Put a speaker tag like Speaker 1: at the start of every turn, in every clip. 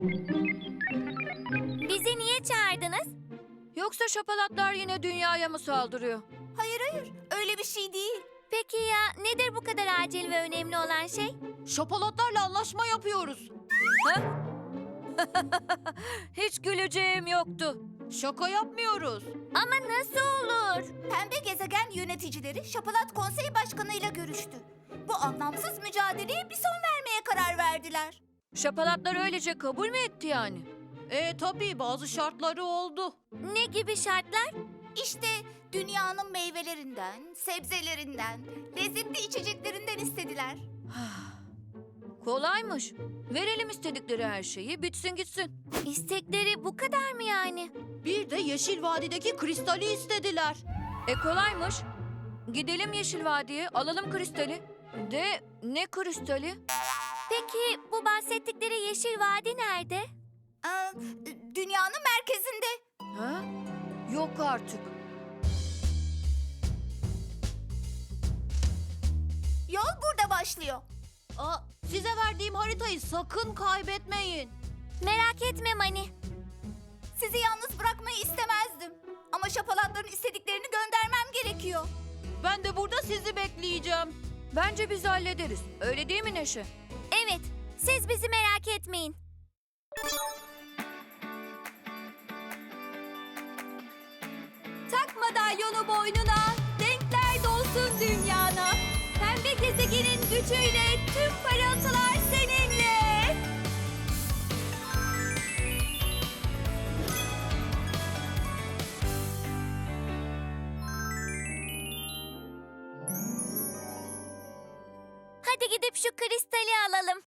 Speaker 1: Bizi niye çağırdınız?
Speaker 2: Yoksa şapalatlar yine dünyaya mı saldırıyor?
Speaker 3: Hayır, öyle bir şey değil.
Speaker 1: Peki ya nedir bu kadar acil ve önemli olan şey?
Speaker 2: Şapalatlarla anlaşma yapıyoruz. Ha? Hiç güleceğim yoktu. Şaka yapmıyoruz.
Speaker 1: Ama nasıl olur?
Speaker 3: Pembe gezegen yöneticileri Şapalat Konseyi Başkanı ile görüştü. Bu anlamsız mücadeleye bir son vermeye karar verdiler.
Speaker 2: Şapalatlar öylece kabul mü etti yani? Tabii bazı şartları oldu.
Speaker 1: Ne gibi şartlar?
Speaker 3: İşte dünyanın meyvelerinden, sebzelerinden, lezzetli içeceklerinden istediler.
Speaker 2: Kolaymış. Verelim istedikleri her şeyi, bitsin gitsin.
Speaker 1: İstekleri bu kadar mı yani?
Speaker 2: Bir de Yeşil Vadi'deki kristali istediler. Kolaymış. Gidelim Yeşil Vadi'ye, alalım kristali. De ne kristali?
Speaker 1: Peki bu bahsettikleri Yeşil Vadi nerede?
Speaker 3: Aa, dünyanın merkezinde.
Speaker 2: Ha? Yok artık.
Speaker 3: Yol burada başlıyor.
Speaker 2: Size verdiğim haritayı sakın kaybetmeyin.
Speaker 1: Merak etme Mani.
Speaker 3: Sizi yalnız bırakmayı istemezdim. Ama şapalatların istediklerini göndermem gerekiyor.
Speaker 2: Ben de burada sizi bekleyeceğim. Bence biz hallederiz. Öyle değil mi Neşe?
Speaker 1: Evet, siz bizi merak etmeyin.
Speaker 3: Tak madalyonu boynuna, renkler dolsun dünyana. Pembe gezegenin gücüyle tüm parıltılar seninle.
Speaker 1: Hadi gidip şu kristali alalım.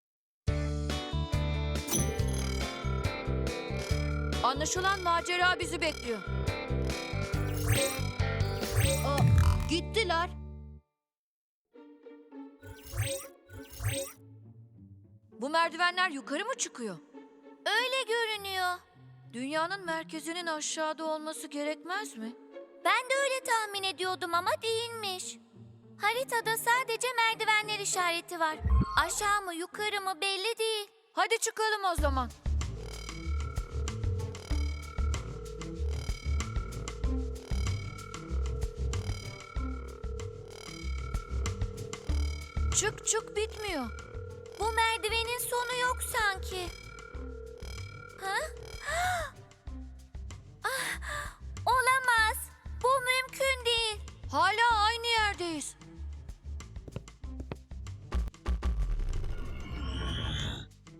Speaker 2: Anlaşılan macera bizi bekliyor. Gittiler. Bu merdivenler yukarı mı çıkıyor?
Speaker 1: Öyle görünüyor.
Speaker 2: Dünyanın merkezinin aşağıda olması gerekmez mi?
Speaker 1: Ben de öyle tahmin ediyordum ama değilmiş. Haritada sadece merdivenler işareti var. Aşağı mı yukarı mı belli değil.
Speaker 2: Hadi çıkalım o zaman. Çık çık bitmiyor.
Speaker 1: Bu merdivenin sonu yok sanki. Ha?